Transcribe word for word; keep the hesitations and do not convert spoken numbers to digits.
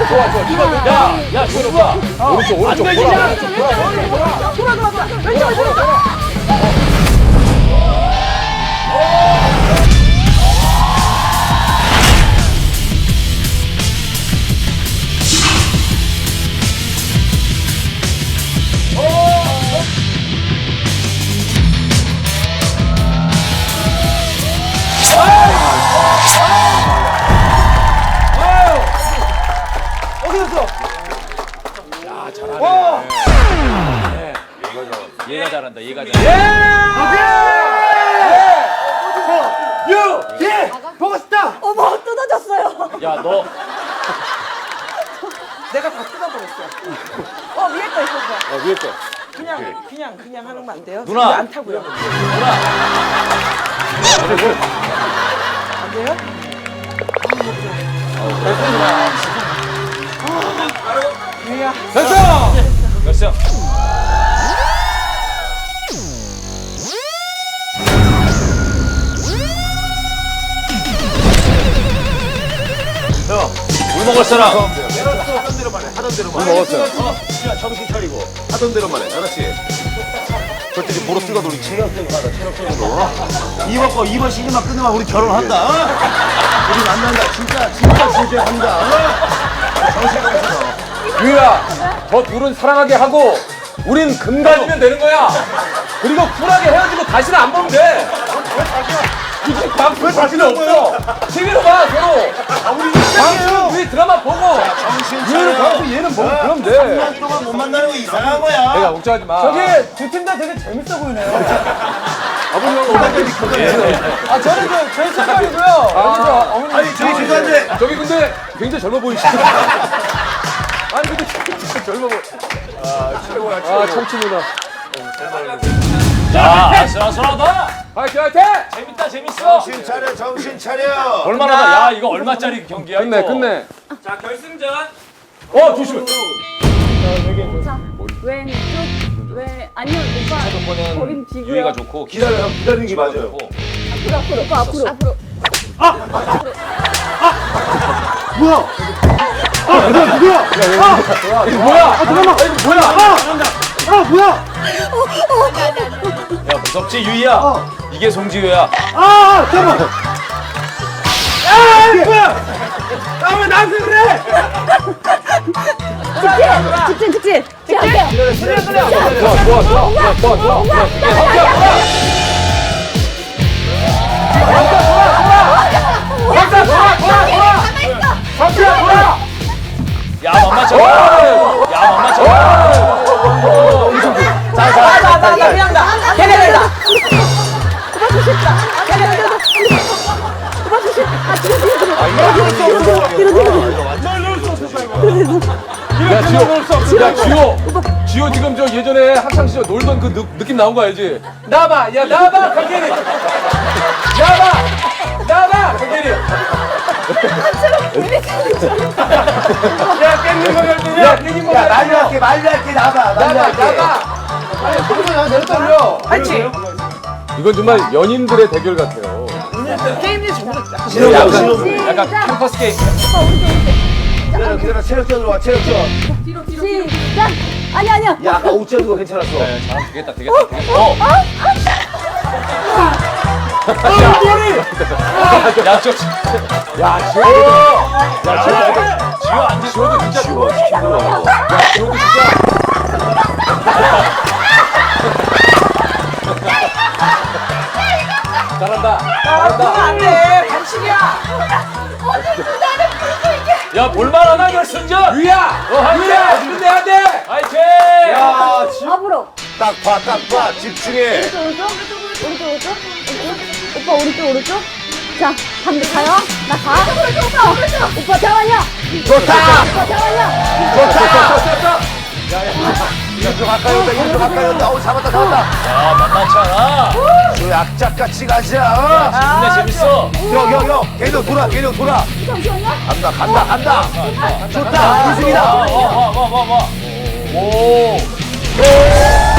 좋아, 좋아. 이거 야, 야, 조수아. 오른쪽, 오른쪽. 안 되지, 돌아. 야. 돌아, 돌아, 돌아. 돌아 돌아 돌아. 왼쪽 왼쪽. 야, 잘하네. 얘가 잘한다. 얘가 잘한다. 예! 보고 싶다! 어머 뜯어졌어요. 야, 너 내가 다 뜯어버렸어. 어 위에 거 있었어. 어, 위에 거. 그냥 그냥 그냥 하는 거 안 돼요? 누나. 안 타고요. 안 돼요? 유야. 됐어! 됐어. 형, 물 먹을 사람. 하던 대로만 해. 하던 대로만 물 먹었어요. 어, 야, 정신 차리고. 하던 대로만 해. 알았지? 저쪽에 보러 뛰어도 우리 체력적으로 가자. 체력적으로. 이번 거 이번 시즌만 끝내면 우리 결혼한다. 어? 우리 만난다. 진짜 진짜 진짜 한다. 어? 정신 차리고. 유야, 저 둘은 사랑하게 하고 우린 금 가지면 되는 거야. 그리고 쿨하게 헤어지고 다시는 안 보면 돼. 굳이 방송 자신은 없어. 티비로 봐, 서로. 방송 우리 드라마 보고. 정신 얘는 차려. 방송 얘는 보고 그러면 돼. 삼 년 동안 못 만나는 거 이상한 거야. 내가 걱정하지 마. 저기 두 팀 다 되게 재밌어 보이네요. 아버님 오만까지 걱정해. 아 저는 그 저희 색깔이고요. 여기 저 어머니. 아니 저기 죄송한데 저기 근데 굉장히 젊어 보이시죠? 아니 근데 진짜 젊어 보여. 아 최고야 최고. 아 청춘 누나. 자, 아슬아슬하다. 화이팅 화이팅! 재밌다, 재밌어. 정신 차려 정신 차려. 얼마나 나? 야, 이거 얼마짜리 경기야? 끝내 이거. 끝내. 자, 결승전. 어 조심해. 자 왼쪽 왼 아니요 오빠. 거긴 뒤고요. 유희가 좋고 기다려 형 기다리는 게 맞아요. 좋고. 앞으로 앞으로 오빠 앞으로 앞으로. 뭐야? 아 누구야 누구야? 아 이거 뭐야? 아 잠깐만. 이거 뭐야? 아, 아 뭐야? 야, 무섭지, 유희야? 어. 이게 송지효야. 아, 아 잠깐만. 아 뭐야? 아왜 나한테 그래? 직진 직진 직진 할게요. 그래 그래. 좋아 좋아 좋아 좋아 좋아 좋아. 박사 돌아 돌아 돌아. 박사 돌아. 야, 만만찮아. 야, 만만찮아. 나나나 그냥 나. 걔네 내가. 오빠 조심. 걔네 내가. 오빠 조심. 아 뒤로 뒤로 뒤로. 뒤로 뒤로 뒤로. 야 지호, 야 지호, 지호 지금 저 예전에 학창 시절 놀던 그 느, 느낌 나온 거 알지? 나봐, 야 나봐, 강계리. 나봐, 나봐, 강계리. 야 깻잎 먹을 야 깻잎 먹을 야 말려할게 말려할게 나봐 나봐, 말려할게. 나봐. 아니 그러면 내려 떨려. 알지? 이건 정말 연인들의 대결 같아요. 게임이 전부 다 약간 신호 약간, 신호. 약간 캠퍼스 게임. 오빠 오른쪽 오른쪽. 기다려 기다려 체력전으로 와 체력전. 시작. 아니 아니야. 야 아까 옷 재는 거 괜찮았어. 네, 잘 되겠다, 되겠다, 되겠다. 어, 아 머리. 야 저, 야 지호, 야 지호, 지호 안 지호도 진짜 좋아. 야 지호도 진짜. 잘한다. 아, 그러면 안 돼. 반칙이야. 야, 볼만하나, 결승전? 유야, 너 한대 끝내야 돼. 화이팅! 야 지- 앞으로. 딱 봐 딱 봐 집중해. 오른쪽 오른쪽 오른쪽 오른쪽 오른쪽 오빠 오른쪽 오른쪽 자 반대 가요 나 가 오빠 오른쪽 오빠 잠깐만요 좋다 오빠 잠깐만요 좋다. 이쪽 가까이 온다 이쪽 가까이 온다. 어 잡았다 잡았다. 야, 만만치 않아. 저 약자같이 가자. 근데 재밌어. 형형형 걔도 돌아 걔도 돌아. 잠시만요 간다 간다 간다. 좋다 우승이다. 와, 와, 와, 와, 와. 오.